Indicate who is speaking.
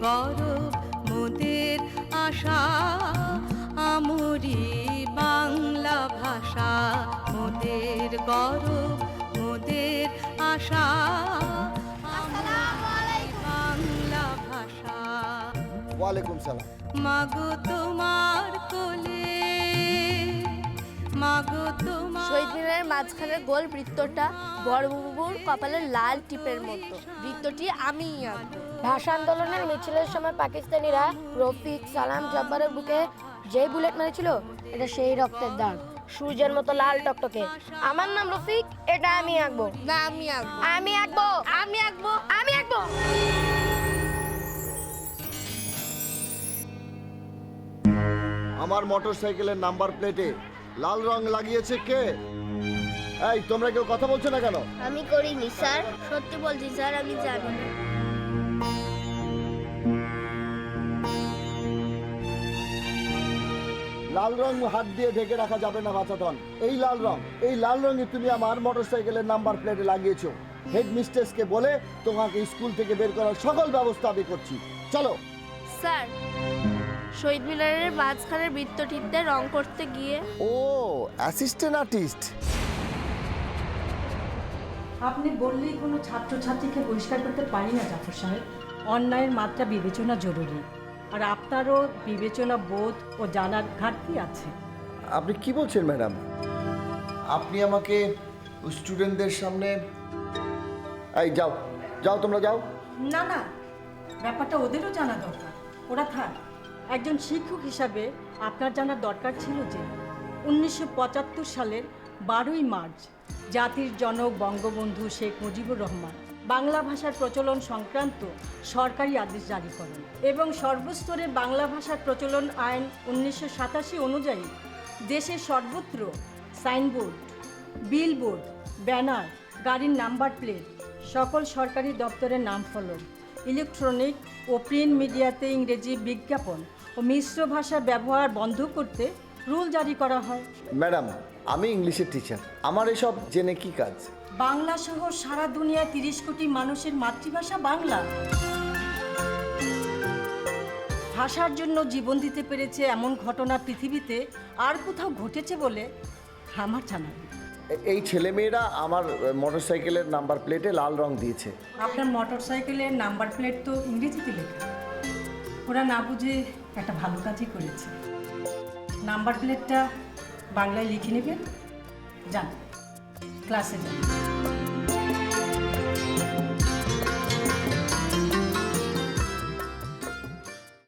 Speaker 1: গৌরব মোদের আশা, আমরি বাংলা ভাষা মোদের গৌরব মোদের আশা, বাংলা ভাষা।
Speaker 2: ওয়ালাইকুম সালাম।
Speaker 1: মাগো তোমার কোলে, মাগো তোমার।
Speaker 3: শহীদ মিনারের মাঝখানের গোল বৃত্তটা বড়বাবুর কপালের লাল টিপের মতো। বৃত্তটি আমিই আঁকবো।
Speaker 4: ভাষা আন্দোলনের মিছিলের সময় পাকিস্তানিরা রফিক, সালাম, জব্বারের বুকে যে বুলেট মেরেছিল, এটা সেই রক্তের দাগ, সূর্যের মতো লাল টকটকে। আমার নাম রফিক, এটা আমি আঁকবো।
Speaker 3: না, আমি আঁকবো।
Speaker 4: আমি আঁকবো, আমি আঁকবো, আমি আঁকবো।
Speaker 2: আমার মোটরসাইকেলের নাম্বার প্লেটে লাল রং লাগিয়েছে কে? এই তোমরা কেউ কথা বলছো না কেন?
Speaker 3: আমি করিনি স্যার, সত্যি বলছি স্যার, আমি জানি না।
Speaker 2: লাল রং হাত দিয়ে ঢেকে রাখা যাবে না বাচাতন। এই লাল রঙে তুমি আমার মোটরসাইকেলের নাম্বার প্লেটে লাগিয়েছো। হেড মিস্ট্রেসকে বলে তোমাকে স্কুল থেকে বের করার সকল ব্যবস্থা আমি করছি। চলো।
Speaker 3: স্যার, শহীদ মিনারের মাঝখানের বৃত্তটিতে রং করতে গিয়ে।
Speaker 2: ও, অ্যাসিস্ট্যান্ট আর্টিস্ট।
Speaker 5: আপনি বললেই কোনো ছাত্রছাত্রীকে বহিষ্কার করতে পারি না জাফর সাহেব। অন্যায়ের মাত্রা বিবেচনা জরুরি, আর আপনারও বিবেচনা বোধ ও জানার ঘাটতি আছে।
Speaker 2: আপনি কি বলছেন ম্যাডাম? আপনি আমাকে স্টুডেন্টদের সামনে... এই যাও যাও, তোমরা যাও।
Speaker 5: না না, ব্যাপারটা ওদেরও জানা দরকার। ওরা থাক। একজন শিক্ষক হিসাবে আপনার জানার দরকার ছিল যে 1975 সালের 12ই মার্চ জাতির জনক বঙ্গবন্ধু শেখ মুজিবুর রহমান বাংলা ভাষার প্রচলন সংক্রান্ত সরকারি আদেশ জারি করেন এবং সর্বস্তরে বাংলা ভাষার প্রচলন আইন 1987 অনুযায়ী দেশের সর্বত্র সাইনবোর্ড, বিলবোর্ড, ব্যানার, গাড়ির নাম্বার প্লেট, সকল সরকারি দপ্তরের নাম ফলক, ইলেকট্রনিক ও প্রিন্ট মিডিয়াতে ইংরেজি বিজ্ঞাপন ও মিশ্র ভাষা ব্যবহার বন্ধ করতে রুল জারি করা হয়।
Speaker 2: ম্যাডাম, আমি ইংলিশের টিচার, আমার এসব জেনে কি কাজ?
Speaker 5: বাংলা সহ সারা দুনিয়ায় 30 কোটি মানুষের মাতৃভাষা বাংলা। ভাষার জন্য জীবন দিতে পেরেছে এমন ঘটনা পৃথিবীতে আর কোথাও ঘটেছে বলে আমার জানা নেই।
Speaker 2: এই ছেলেমেয়েরা আমার মোটরসাইকেলের নাম্বার প্লেটে লাল রং দিয়েছে।
Speaker 5: আপনার মোটরসাইকেলের নাম্বার প্লেট তো ইংরেজিতে লেখা, ওরা না বুঝে একটা ভালো কাজই করেছে। নাম্বার প্লেটটা বাংলায় লিখে নেবেন, যান ক্লাসে যান।